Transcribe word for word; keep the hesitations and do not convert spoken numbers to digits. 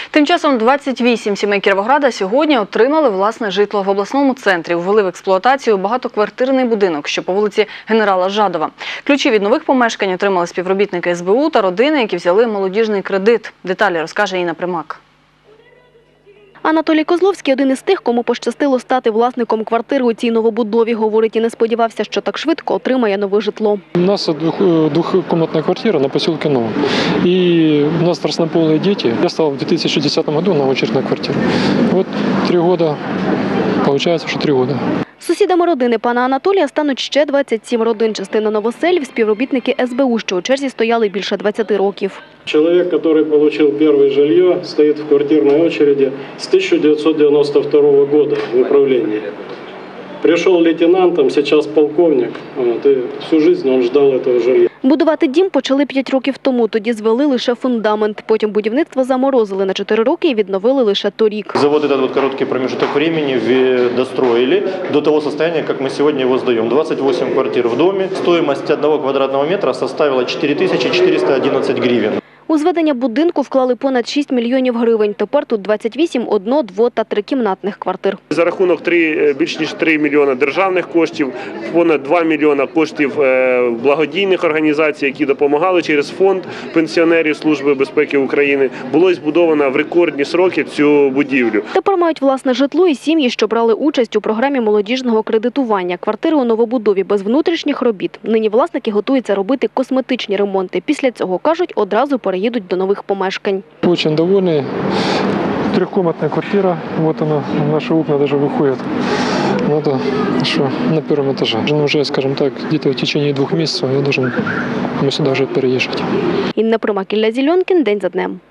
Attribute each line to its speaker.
Speaker 1: Тим часом двадцять вісім сімей Кіровограда сьогодні отримали власне житло в обласному центрі. Ввели в експлуатацію багатоквартирний будинок, що по вулиці Генерала Жадова. Ключі від нових помешкань отримали співробітники ес бе у та родини, які взяли молодіжний кредит. Деталі розкаже Інна Примак.
Speaker 2: Анатолій Козловський – один із тих, кому пощастило стати власником квартири у цій новобудові. Говорить, і не сподівався, що так швидко отримає нове житло.
Speaker 3: У нас двухкомнатная квартира на поселке Новом. И у нас разнополые дети. Я стал в две тысячи десятом году на очередь на квартиру. Вот три года, получается, что три года.
Speaker 2: Сусідами родини пана Анатолія стануть ще двадцять сім родин. Частина новоселів – співробітники ес бе у, що у черзі стояли більше двадцяти років.
Speaker 4: Человек, который получил первое жилье, стоит в квартирной очереди с тысяча девятьсот девяносто второго года в управлении. Пришел лейтенантом, сейчас полковник, вот, и всю жизнь он ждал этого жилья.
Speaker 2: Будувати дім почали п'ять років тому. Тоді звели лише фундамент. Потім будівництво заморозили на чотири роки і відновили лише торік.
Speaker 5: За вот этот вот короткий промежуток времени достроили до того состояния, как мы сегодня его сдаем. двадцать восемь квартир в доме. Стоимость одного квадратного метра составила чотири тисячі чотириста одинадцять гривен.
Speaker 2: У зведення будинку вклали понад шість мільйонів гривень. Тепер тут двадцять вісім одно-, дво- та трикімнатних квартир.
Speaker 6: За рахунок три, більш ніж три мільйона державних коштів, понад два мільйона коштів благодійних організацій, які допомагали через фонд пенсіонерів Служби безпеки України, було збудовано в рекордні сроки цю будівлю.
Speaker 2: Тепер мають власне житло і сім'ї, що брали участь у програмі молодіжного кредитування. Квартири у новобудові без внутрішніх робіт. Нині власники готуються робити косметичні ремонти. Після цього, кажуть, одразу переїдуть їдуть до нових помешкань.
Speaker 3: Очень довольный. Трехкомнатная квартира. Вот она, наши окна даже выходят. Надо, что на первом этаже. Уже, скажем так, где-то в течение двух месяцев я должен мы сюда уже переезжать.
Speaker 2: Інна Примак, Ілля Зільонкін. День за днем.